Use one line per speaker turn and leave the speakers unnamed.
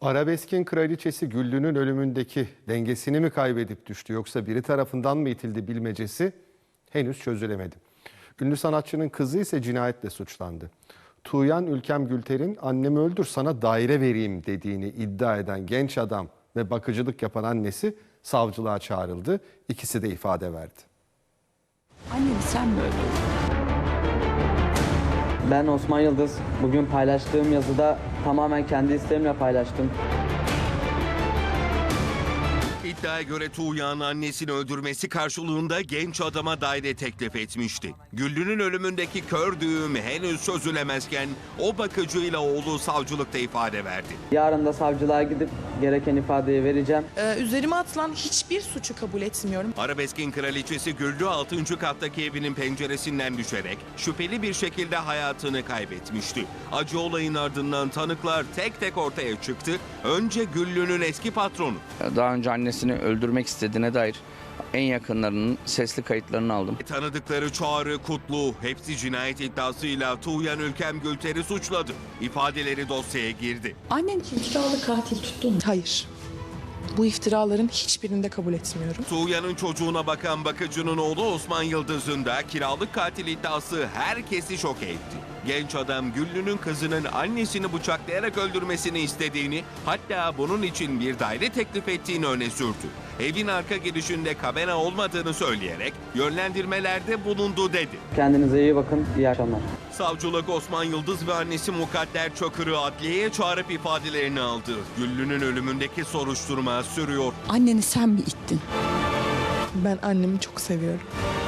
Arabeskin kraliçesi Güllü'nün ölümündeki dengesini mi kaybedip düştü yoksa biri tarafından mı itildi bilmecesi henüz çözülemedi. Ünlü sanatçının kızı ise cinayetle suçlandı. Tuğyan Ülkem Gülter'in "annemi öldür sana daire vereyim" dediğini iddia eden genç adam ve bakıcılık yapan annesi savcılığa çağrıldı. İkisi de ifade verdi.
Anneni sen mi öldürdün?
Ben Osman Yıldız. Bugün paylaştığım yazıda tamamen kendi isteğimle paylaştım.
İddiaya göre Tuğya'nın annesini öldürmesi karşılığında genç adama daire teklif etmişti. Güllü'nün ölümündeki kör düğüm henüz çözülemezken o bakıcıyla oğlu savcılıkta ifade verdi.
Yarın da savcılığa gidip gereken ifadeyi vereceğim.
Üzerime atılan hiçbir suçu kabul etmiyorum.
Arabeskin kraliçesi Güllü 6. kattaki evinin penceresinden düşerek şüpheli bir şekilde hayatını kaybetmişti. Acı olayın ardından tanıklar tek tek ortaya çıktı. Önce Güllü'nün eski patronu.
Daha önce annesini öldürmek istediğine dair en yakınlarının sesli kayıtlarını aldım.
Tanıdıkları Çağrı, Kutlu hepsi cinayet iddiasıyla Tuğyan Ülkem Gülter'i suçladı. İfadeleri dosyaya girdi.
Annen iftiralı katil tuttun mu?
Hayır. Bu iftiraların hiçbirini de kabul etmiyorum.
Tuğyan'ın çocuğuna bakan bakıcının oğlu Osman Yıldız'ın da kiralık katil iddiası herkesi şok etti. Genç adam Güllü'nün kızının annesini bıçaklayarak öldürmesini istediğini, hatta bunun için bir daire teklif ettiğini öne sürdü. Evin arka girişinde kamera olmadığını söyleyerek yönlendirmelerde bulundu dedi.
Kendinize iyi bakın. İyi akşamlar.
Savcılık Osman Yıldız ve annesi Mukadder Çakır'ı adliyeye çağırıp ifadelerini aldı. Güllü'nün ölümündeki soruşturma sürüyor.
Anneni sen mi ittin?
Ben annemi çok seviyorum.